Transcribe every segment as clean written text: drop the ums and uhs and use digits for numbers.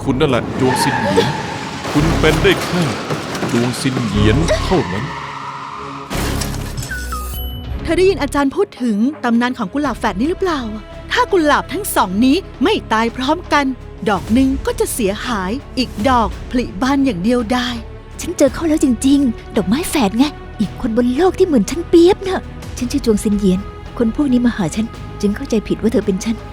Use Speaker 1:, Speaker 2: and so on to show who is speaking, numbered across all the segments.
Speaker 1: คุณนั่นแหละจวงซินเหยียนคุณเป็นได้แค่จวงซินเหยียนเท่านั้น
Speaker 2: เธอได้ยินอาจารย์พูดถึงตำนานของกุหลาบแฝดนี้หรือเปล่าถ้ากุหลาบทั้งสองนี้ไม่ตายพร้อมกันดอกหนึ่งก็จะเสียหายอีกดอกผลิบานอย่างเดียวได้
Speaker 3: ฉันเจอเขาแล้วจริงๆดอกไม้แฝดไงอีกคนบนโลกที่เหมือนฉันเปียบน่ะฉันชื่อจวงซินเหยียนคนพวกนี้มาหาฉันจึงเข้าใจผิดว่าเธอเป็นฉัน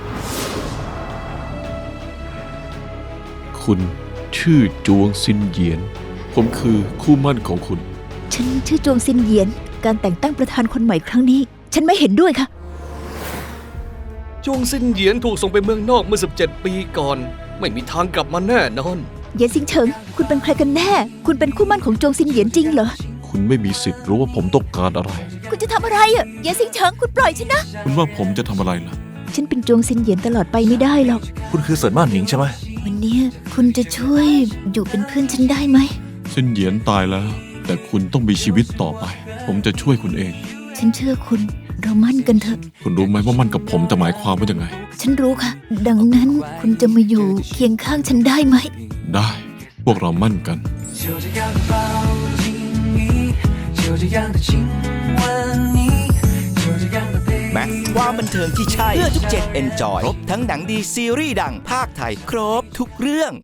Speaker 1: คุณชื่อจวงซินเหยียนผมคือคู่หมั่นของคุณ
Speaker 3: ฉันชื่อจวงซินเหยียนการแต่งตั้งประธานคนใหม่ครั้งนี้ฉันไม่เห็นด้วยค่ะ
Speaker 4: จวงซินเหยียนถูกส่งไปเมืองนอกเมื่อ17 ปีก่อนไม่มีทางกลับมาแน่นอน
Speaker 3: เหยียนซิงเฉิงคุณเป็นใครกันแน่คุณเป็นคู่หมั่นของจวงซินเหยียนจริงเหรอ
Speaker 1: คุณไม่มีสิทธิ์รู้ว่าผมต้องการอะไร
Speaker 3: คุณจะทำอะไรอ่ะเหยียนซิงเฉิงคุณปล่อยฉันนะ
Speaker 1: คุณว่าผมจะทำอะไรล่ะ
Speaker 3: ฉันเป็นจวงซินเหยียนตลอดไปไม่ได้หรอก
Speaker 5: คุณคือเซินม่านหนิงใช่ไหม
Speaker 3: วันนี้คุณจะช่วยอยู่เป็นเพื่อนฉันได้ไหม
Speaker 1: ซินเหยียนตายแล้วแต่คุณต้องมีชีวิตต่อไปผมจะช่วยคุณเอง
Speaker 3: ฉันเชื่อคุณเรามั่นกันเถอะ
Speaker 1: คุณรู้ไหมว่ามั่นกับผมจะหมายความว่ายังไง
Speaker 3: ฉันรู้ค่ะดังนั้นคุณจะมาอยู่เคียงข้างฉันได้ไหม
Speaker 1: ได้พวกเรามั่นกัน
Speaker 6: แม็กความบันเทิงที่ใช่เพื่อทุกเจนเอนจอยครบทั้งหนังดีซีรีส์ดังภาคไทยครบทุกเรื่อง